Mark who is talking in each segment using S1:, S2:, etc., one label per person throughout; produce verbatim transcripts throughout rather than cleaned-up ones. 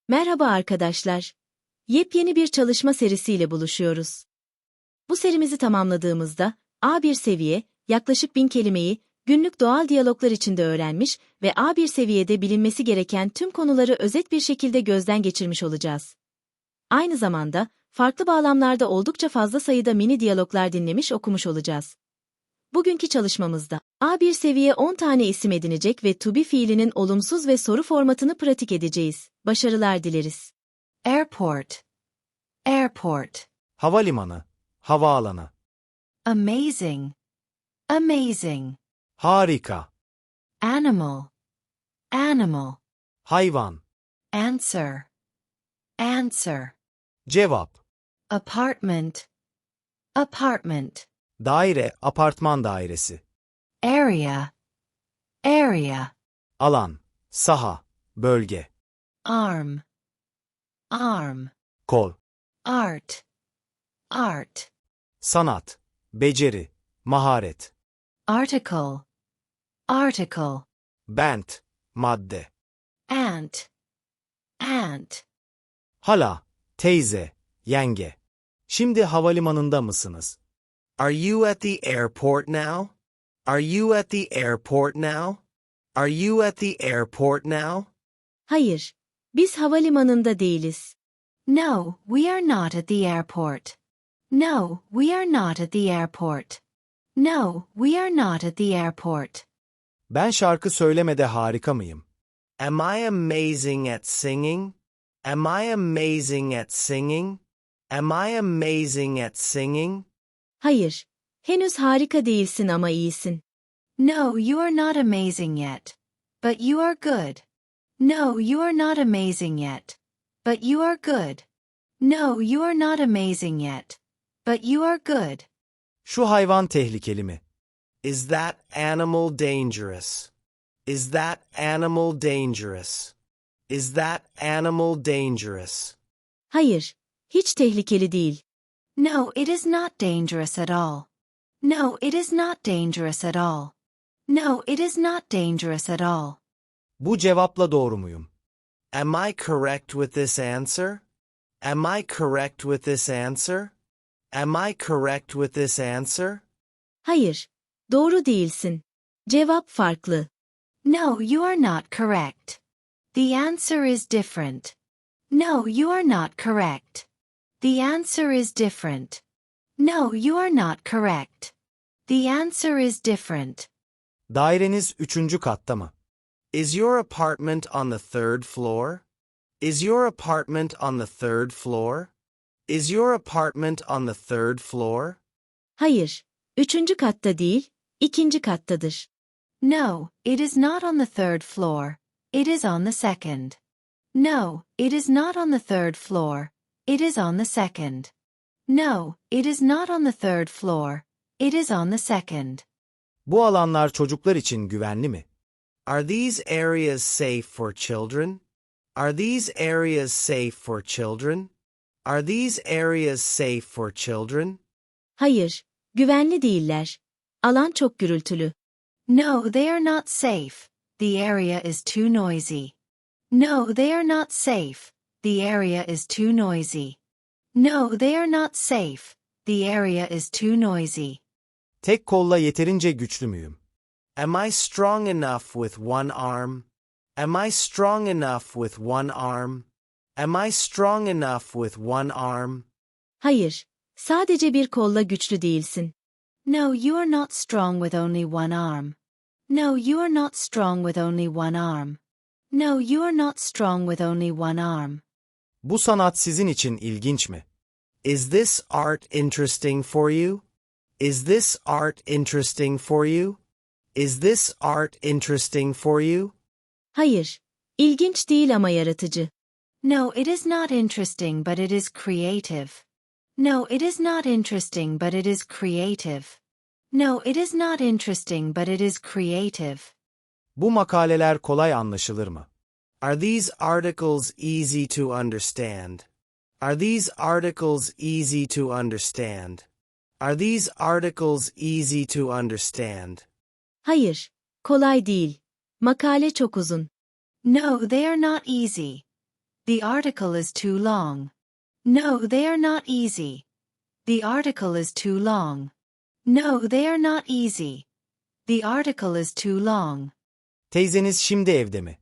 S1: Merhaba arkadaşlar. Yepyeni bir çalışma serisiyle buluşuyoruz. Bu serimizi tamamladığımızda A bir seviye, yaklaşık bin kelimeyi günlük doğal diyaloglar içinde öğrenmiş ve A bir seviyede bilinmesi gereken tüm konuları özet bir şekilde gözden geçirmiş olacağız. Aynı zamanda farklı bağlamlarda oldukça fazla sayıda mini diyaloglar dinlemiş okumuş olacağız. Bugünkü çalışmamızda A bir seviye on tane isim edinecek ve to be fiilinin olumsuz ve soru formatını pratik edeceğiz. Başarılar dileriz.
S2: Airport. Airport.
S3: Havalimanı, havaalanı.
S2: Amazing. Amazing.
S3: Harika,
S2: Animal. Animal.
S3: hayvan,
S2: Answer. Answer.
S3: cevap,
S2: Apartment. Apartment.
S3: daire, apartman dairesi,
S2: Area. Area.
S3: alan, saha, bölge,
S2: Arm. Arm.
S3: kol,
S2: Art. Art.
S3: sanat, beceri, maharet,
S2: Article. Article.
S3: bent, madde,
S2: Ant. Ant.
S3: hala, teyze, yenge. Şimdi havalimanında mısınız?
S4: Are you at the airport now? Are you at the airport now? Are you at the airport now?
S1: Hayır, biz havalimanında değiliz.
S2: No, we are not at the airport. No, we are not at the airport. No, we are not at the airport.
S3: Ben şarkı söylemede harika mıyım?
S4: Am I amazing at singing? Am I amazing at singing? Am I amazing at singing?
S1: Hayır, henüz harika değilsin ama iyisin.
S2: No, you are not amazing yet. But you are good. No, you are not amazing yet. But you are good. No, you are not amazing yet. But you are good.
S3: Şu hayvan tehlikeli mi?
S4: Is that animal dangerous? Is that animal dangerous? Is that animal dangerous?
S1: Hayır, hiç tehlikeli değil.
S2: No, it is not dangerous at all. No, it is not dangerous at all. No, it is not dangerous at all.
S3: Bu cevapla doğru muyum?
S4: Am I correct with this answer? Am I correct with this answer? Am I correct with this answer?
S1: Hayır, doğru değilsin. Cevap farklı.
S2: No, you are not correct. The answer is different. No, you are not correct. The answer is different. No, you are not correct. The answer is different.
S3: Daireniz üçüncü katta mı?
S4: Is your apartment on the third floor? Is your apartment on the third floor? Is your apartment on the third floor?
S1: Hayır, üçüncü katta değil, ikinci kattadır.
S2: No, it is not on the third floor. It is on the second. No, it is not on the third floor. It is on the second. No, it is not on the third floor. It is on the second.
S3: Bu alanlar çocuklar için güvenli mi?
S4: Are these areas safe for children? Are these areas safe for children? Are these areas safe for children?
S1: Hayır, güvenli değiller. Alan çok gürültülü.
S2: No, they are not safe. The area is too noisy. No, they are not safe. The area is too noisy. No, they are not safe. The area is too noisy.
S3: Tek kolla yeterince güçlü müyüm?
S4: Am I strong enough with one arm? Am I strong enough with one arm? Am I strong enough with one arm?
S1: Hayır, sadece bir kolla güçlü değilsin.
S2: No, you are not strong with only one arm. No, you are not strong with only one arm. No, you are not strong with only one arm.
S3: Bu sanat sizin için ilginç mi?
S4: Is this art interesting for you? Is this art interesting for you? Is this art interesting for you?
S1: Hayır, ilginç değil ama yaratıcı.
S2: No, it is not interesting, but it is creative. No, it is not interesting, but it is creative. No, it is not interesting, but it is creative.
S3: Bu makaleler kolay anlaşılır mı?
S4: Are these articles easy to understand? Are these articles easy to understand? Are these articles easy to understand?
S1: Hayır, kolay değil. Makale çok uzun.
S2: No, they are not easy. The article is too long. No, they are not easy. The article is too long. No, they are not easy. The article is too long.
S3: Teyzeniz şimdi evde mi?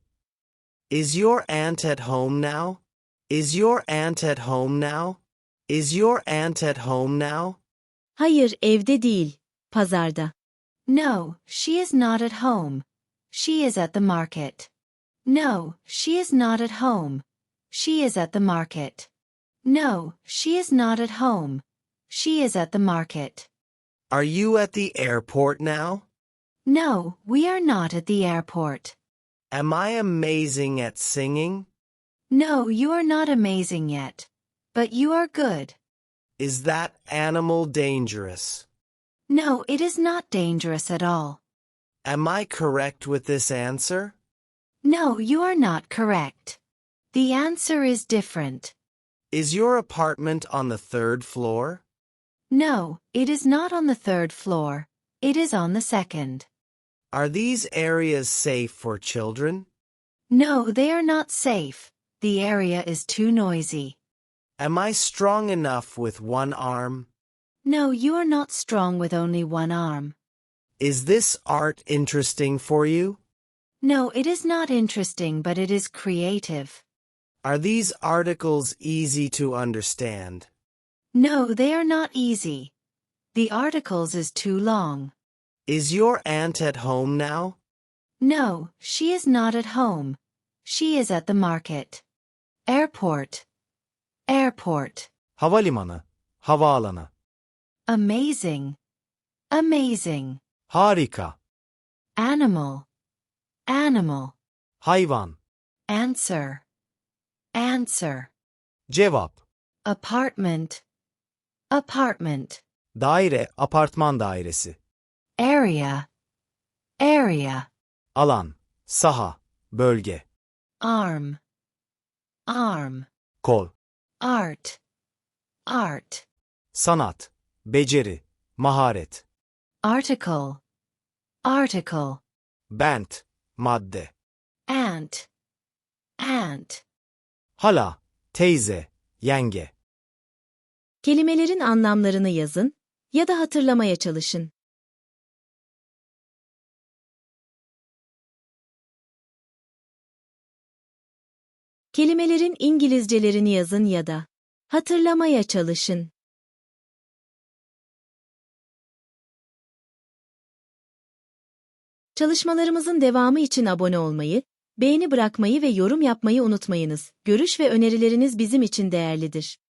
S4: Is your aunt at home now? Is your aunt at home now? Is your aunt at home now?
S1: Hayır, evde değil. Pazarda.
S2: No, she is not at home. She is at the market. No, she is not at home. She is at the market. No, she is not at home. She is at the market.
S4: Are you at the airport now?
S2: No, we are not at the airport.
S4: Am I amazing at singing?
S2: No, you are not amazing yet. But you are good.
S4: Is that animal dangerous?
S2: No, it is not dangerous at all.
S4: Am I correct with this answer?
S2: No, you are not correct. The answer is different.
S4: Is your apartment on the third floor?
S2: No, it is not on the third floor. It is on the second.
S4: Are these areas safe for children?
S2: No, they are not safe. The area is too noisy.
S4: Am I strong enough with one arm?
S2: No, you are not strong with only one arm.
S4: Is this art interesting for you?
S2: No, it is not interesting, but it is creative.
S4: Are these articles easy to understand?
S2: No, they are not easy. The articles is too long.
S4: Is your aunt at home now?
S2: No, she is not at home. She is at the market. Airport. Airport.
S3: Havalimanı, havaalanı.
S2: Amazing. Amazing.
S3: Harika,
S2: Animal. Animal.
S3: hayvan,
S2: Answer. Answer.
S3: cevap,
S2: Apartment. Apartment.
S3: daire, apartman dairesi,
S2: Area. Area.
S3: alan, saha, bölge,
S2: Arm. Arm.
S3: kol,
S2: Art. Art.
S3: sanat, beceri, maharet,
S2: Article. Article.
S3: bent, madde,
S2: Ant. Ant.
S3: hala, teyze, yenge.
S1: Kelimelerin anlamlarını yazın ya da hatırlamaya çalışın. Kelimelerin İngilizcelerini yazın ya da hatırlamaya çalışın. Çalışmalarımızın devamı için abone olmayı, beğeni bırakmayı ve yorum yapmayı unutmayınız. Görüş ve önerileriniz bizim için değerlidir.